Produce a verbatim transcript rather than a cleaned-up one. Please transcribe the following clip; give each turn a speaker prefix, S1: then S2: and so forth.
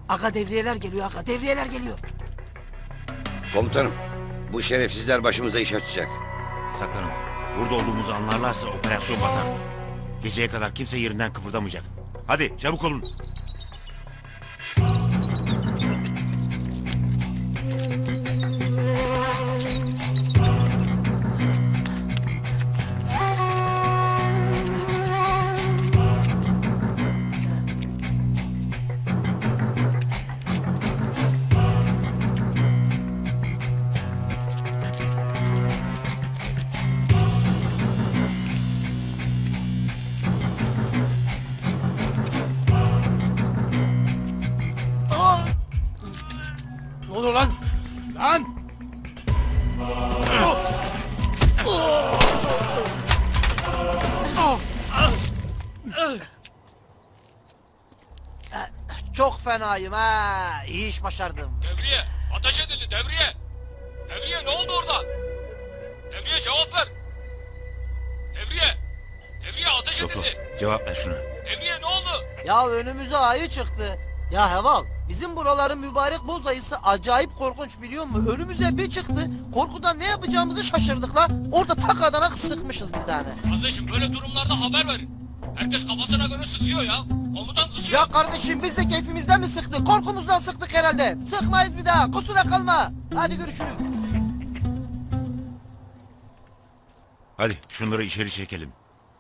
S1: Aga devriyeler geliyor aga, devriyeler geliyor.
S2: Komutanım, bu şerefsizler başımıza iş açacak.
S3: Saklanın. Burada olduğumuzu anlarlarsa operasyon batar. Geceye kadar kimse yerinden kıpırdamayacak. Hadi çabuk olun.
S1: Ne oluyor lan? Lan! Çok fenayım ha. İyi iş başardım.
S4: Devriye! Ateş edildi devriye! Devriye ne oldu orada? Devriye cevap ver! Devriye! Devriye ateş
S3: Yok yok.
S4: edildi!
S3: Cevap ver şuna.
S4: Devriye ne oldu?
S1: Ya önümüze ayı çıktı. Ya Heval, bizim buraların mübarek boz ayısı acayip korkunç biliyor musun? Önümüze bir çıktı, korkudan ne yapacağımızı şaşırdık lan. Orada tak adana sıkmışız bir tane.
S4: Kardeşim böyle durumlarda haber verin. Herkes kafasına göre sıkıyor ya. Komutan kızıyor.
S1: Ya kardeşim biz de keyfimizden mi sıktık? Korkumuzdan sıktık herhalde. Sıkmayız bir daha, kusura kalma. Hadi görüşürüz.
S3: Hadi şunları içeri çekelim.